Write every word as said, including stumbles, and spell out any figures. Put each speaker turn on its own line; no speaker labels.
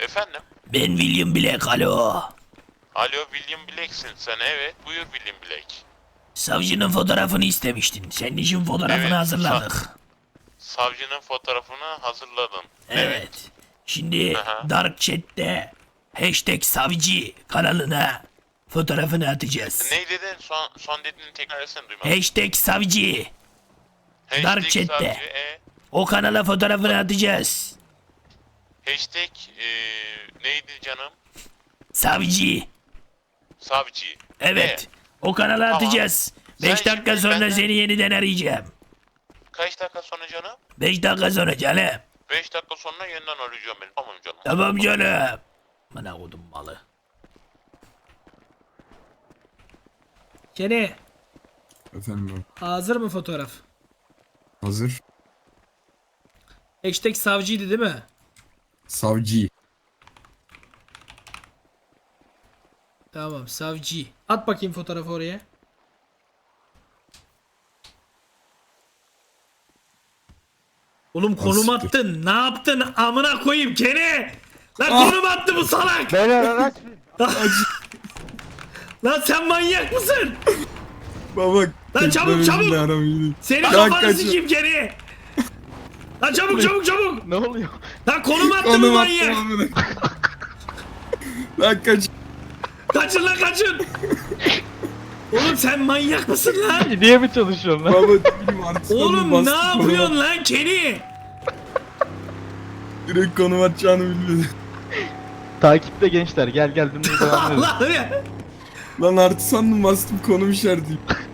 Efendim?
Ben William Black, alo.
Alo, William Black'sin sen, evet. Buyur William Black.
Savcının fotoğrafını istemiştin. Senin için fotoğrafını
Evet,
hazırladık.
sa- savcının fotoğrafını hazırladım.
Evet. Şimdi
Aha.
Dark Chat'te hashtag savcı kanalına fotoğrafını atacağız.
Ne dedin? Son, son dediğini tekrar etsene, duymadım.
Hashtag savcı.
Hashtag
Dark Chat'te.
savcı, e,
O kanala fotoğrafını atacağız.
hashtag e, neydi canım?
Savcı.
Savcı.
Evet.
E,
O kanala
Tamam.
atacağız.
Sen
beş dakika
şimdi
sonra
benden-
seni yeniden arayacağım.
kaç dakika sonra canım?
beş dakika sonra canım.
beş dakika sonra yeniden arayacağım beni. Tamam canım.
Tamam canım. Bana kodum malı.
Kene,
Efendim abi.
hazır mı fotoğraf?
Hazır.
Hashtag savcıydı değil mi?
Savcı.
Tamam, savcı. At bakayım fotoğrafı oraya. Oğlum konum
Siktir.
attın. Ne yaptın? Amına koyayım Kene. Lan konum attı bu salak.
Beyler araç.
Lan sen manyak mısın?
Baba.
Lan çabuk, çabuk.
Aramayı.
Senin
Lan
kafanı
kaçın.
sikeyim Kene. Lan çabuk çabuk çabuk.
Ne oluyor?
Lan konum attı bu
Konum
manyak.
attım amına. Lan kaç.
Kaçın lan kaçın. Oğlum sen manyak mısın lan?
Niye mi çalışıyorsun lan?
Baba bileyim artık.
Oğlum ne yapıyorsun lan Keni?
Direkt konum atacağını bilmedi.
Takipte gençler, gel gel dümdüz devam edelim.
Allah'ım ya.
Lan artı sandım bastım konum işareti.